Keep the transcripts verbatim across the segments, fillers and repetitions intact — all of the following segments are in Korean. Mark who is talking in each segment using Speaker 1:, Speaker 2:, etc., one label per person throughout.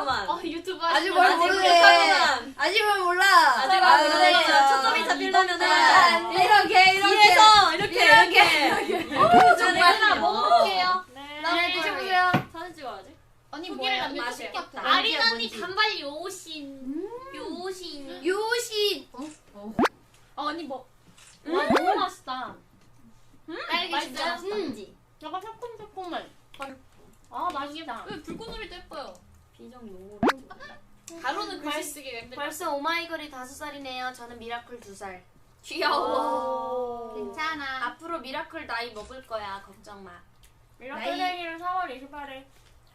Speaker 1: 모르겠구만.
Speaker 2: 어 유튜브
Speaker 3: 아직
Speaker 2: 하시는
Speaker 3: 뭘
Speaker 1: 아직
Speaker 3: 모르네.
Speaker 1: 부족하구만.
Speaker 3: 아직 뭘 몰라.
Speaker 1: 아직 뭘 모르겠어. 초점이 잡히려면은
Speaker 3: 이렇게 이렇게.
Speaker 1: 뒤에서 이렇게
Speaker 3: 이렇게.
Speaker 1: 이렇게.
Speaker 3: 어,
Speaker 1: 정말
Speaker 2: 하나 먹어볼게요.
Speaker 3: 네,
Speaker 2: 네.
Speaker 3: 드셔보세요.
Speaker 2: 사진 찍어야지. 언니
Speaker 3: 후기를
Speaker 2: 뭐예요?
Speaker 3: 남겨주세요.
Speaker 2: 맛있겠다. 아린 언니
Speaker 3: 뭔지.
Speaker 2: 단발 요신. 요신.
Speaker 3: 요신. 어?
Speaker 2: 어 언니 뭐? 와 너무 맛있다. 음,
Speaker 3: 딸기 진짜
Speaker 2: 맛있어요?
Speaker 3: 맛있다.
Speaker 2: 음. 약간 새콤새콤해. 아 맛있다.
Speaker 4: 왜 불꽃놀이도 예뻐요.
Speaker 1: 비정 용어로.
Speaker 4: 가로는 글씨 쓰기가 힘들다.
Speaker 3: 벌써 오마이걸이 다섯 살이네요. 저는 미라클 두 살.
Speaker 2: 귀여워.
Speaker 3: 괜찮아. 앞으로 미라클 나이 먹을 거야. 걱정 마.
Speaker 2: 미라클 생일은 사월 이십팔일.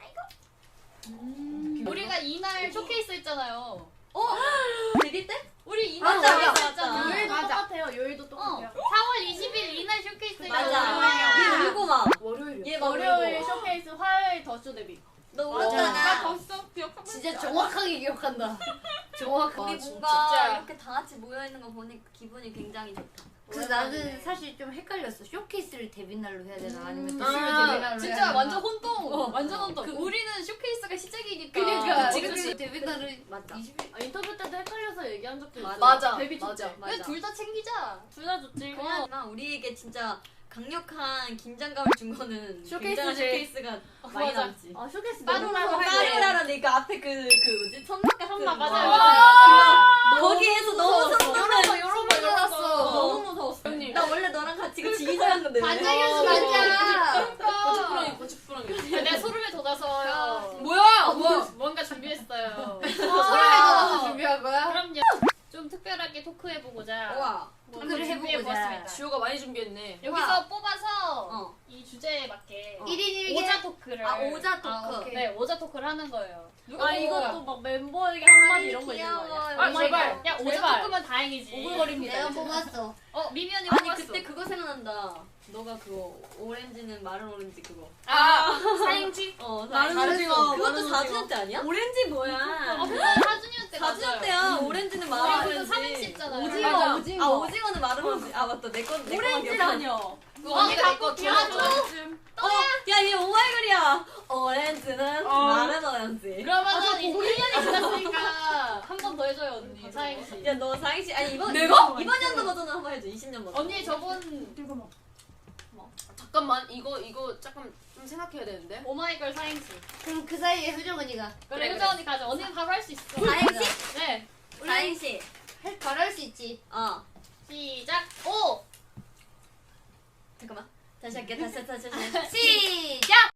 Speaker 4: 우리가 이날 쇼케이스 했잖아요.
Speaker 1: 어? 데뷔 때?
Speaker 4: 우리 이날
Speaker 1: 맞아,
Speaker 4: 쇼케이스
Speaker 1: 맞아,
Speaker 4: 했잖아.
Speaker 1: 맞아.
Speaker 2: 요일도
Speaker 3: 맞아.
Speaker 2: 똑같아요. 요일도 똑같아요.
Speaker 4: 사월 이십일 이날 쇼케이스 했잖아.
Speaker 1: 맞아. 얘 울고 막.
Speaker 3: 월요일.
Speaker 1: 얘 막
Speaker 2: 월요일
Speaker 1: 울고.
Speaker 2: 쇼케이스, 화요일 더쇼 데뷔.
Speaker 1: 너
Speaker 3: 맞아.
Speaker 1: 울었잖아.
Speaker 4: 벌써 기억하고
Speaker 3: 진짜 정확하게 기억한다. 정확하게.
Speaker 1: 우리
Speaker 3: 아, 진짜.
Speaker 1: 뭔가 이렇게 다 같이 모여 있는 거 보니까 기분이 굉장히 좋다.
Speaker 3: 그래서 나는 사실 좀 헷갈렸어. 쇼케이스를 데뷔 날로 해야 되나 아니면 또
Speaker 4: 아,
Speaker 3: 데뷔 날로 해야
Speaker 4: 진짜
Speaker 3: 되나.
Speaker 4: 완전 혼동.
Speaker 1: 어.
Speaker 4: 완전 혼동. 그 우리는 쇼케이스가 시작이니까.
Speaker 3: 그러니까
Speaker 4: 그치,
Speaker 3: 어떻게
Speaker 4: 그치.
Speaker 3: 데뷔 날을
Speaker 1: 맞다.
Speaker 3: 이십일.
Speaker 2: 아, 인터뷰 때도 헷갈려서 얘기한 적도 있어.
Speaker 1: 맞아.
Speaker 2: 데뷔
Speaker 1: 맞아.
Speaker 2: 축제.
Speaker 1: 맞아.
Speaker 4: 그냥 둘 다 챙기자.
Speaker 2: 둘 다 좋지.
Speaker 1: 그냥 우리에게 진짜 강력한 긴장감을 준 거는
Speaker 2: 쇼케이스지.
Speaker 1: 굉장한 쇼케이스가 많이
Speaker 4: 맞아.
Speaker 1: 남지.
Speaker 2: 아 쇼케이스
Speaker 4: 빠루라로
Speaker 2: 너무
Speaker 4: 할
Speaker 2: 많이
Speaker 4: 때.
Speaker 1: 까르라라니까 앞에 그, 그 뭐지? 천막 같은
Speaker 2: 천막,
Speaker 1: 거.
Speaker 2: 맞아요.
Speaker 1: 아, 거기에서 너무
Speaker 2: 무서웠어.
Speaker 1: 성공을
Speaker 2: 요런 거, 요런 거, 요런 거.
Speaker 1: 어, 너무 무서웠어.
Speaker 2: 언니.
Speaker 1: 나 원래 너랑 같이 그 지휘자였는데
Speaker 3: 반장이었어 반장.
Speaker 4: 고집부렁이 고집부렁이.
Speaker 2: 내가 소름에 돋아서요.
Speaker 4: 뭐야?
Speaker 2: 뭐 뭔가 준비했어요.
Speaker 3: 소름에 돋아서 준비한 거야?
Speaker 2: 그럼요. 좀 특별하게 토크해보고자.
Speaker 1: 우와.
Speaker 2: 뭐
Speaker 3: 토크를 해보고자.
Speaker 2: 준비해보았습니다.
Speaker 4: 지호가 많이 준비했네.
Speaker 2: 여기서 뽑아서
Speaker 1: 어.
Speaker 2: 이 주제에 맞게
Speaker 1: 어.
Speaker 3: 일 인 일 개.
Speaker 2: 오자 토크를.
Speaker 1: 아, 오자 토크.
Speaker 2: 아, 오케이. 네, 오자 토크를 하는 거예요.
Speaker 4: 누가
Speaker 2: 아
Speaker 4: 뽑은
Speaker 2: 이것도
Speaker 4: 거야?
Speaker 2: 막 멤버에게 한마디 이런 거 있는 거
Speaker 1: 귀여워.
Speaker 2: 아니야?
Speaker 4: 아, 제발.
Speaker 2: 야 오자
Speaker 4: 제발.
Speaker 2: 토크면 다행이지.
Speaker 4: 오글거립니다.
Speaker 3: 내가 뽑았어.
Speaker 2: 어 미미 언니
Speaker 1: 아니
Speaker 2: 뽑았어.
Speaker 1: 그때 그거 생각난다. 너가 그거 오렌지는 마른 오렌지 그거.
Speaker 4: 아,
Speaker 2: 사행지?
Speaker 1: 어,
Speaker 4: 마른
Speaker 1: 사-
Speaker 4: 오징어,
Speaker 1: 그것도
Speaker 4: 마른
Speaker 1: 사 주년 때 아니야? 오렌지 뭐야?
Speaker 2: 어 그거 사 주년 때
Speaker 1: 사 주년 때야. 오렌지는 마른
Speaker 2: 아, 그거
Speaker 1: 오렌지.
Speaker 2: 삼행시 있잖아요.
Speaker 1: 오징어,
Speaker 4: 맞아.
Speaker 1: 오징어. 아, 오징어는 마른 오렌지. 아, 맞다. 내 건, 내 거만 기억나.
Speaker 4: 오렌지라뇨. 그거
Speaker 2: 어,
Speaker 4: 언니가 내거
Speaker 2: 갖고
Speaker 4: 기억나죠?
Speaker 1: 어, 야, 얘 오마이걸이야. 오렌지는
Speaker 4: 어.
Speaker 1: 마른 오렌지.
Speaker 2: 그러면은 이제 일 년이 지났으니까 한 번 더 해줘요 언니 사행시.
Speaker 1: 야, 너 사행시, 아니, 이번,
Speaker 4: 내가?
Speaker 1: 이번, 이번 연도 버전은 한번 해줘. 이십 년 버전.
Speaker 2: 언니 저번
Speaker 4: 잠깐만 이거 이거 잠깐 좀 생각해야 되는데.
Speaker 2: 오마이걸 사행시.
Speaker 3: 그럼 그 사이에 효정 언니가
Speaker 2: 그래
Speaker 4: 그래,
Speaker 2: 효정 언니 가자. 언니는 바로 할 수 있어.
Speaker 1: 사행시?
Speaker 2: 네.
Speaker 1: 사행시.
Speaker 3: 할- 바로 할 수 있지.
Speaker 1: 어.
Speaker 2: 시작. 오.
Speaker 1: 잠깐만. 다시 할게. 다시, 다시, 다시.
Speaker 3: 시작.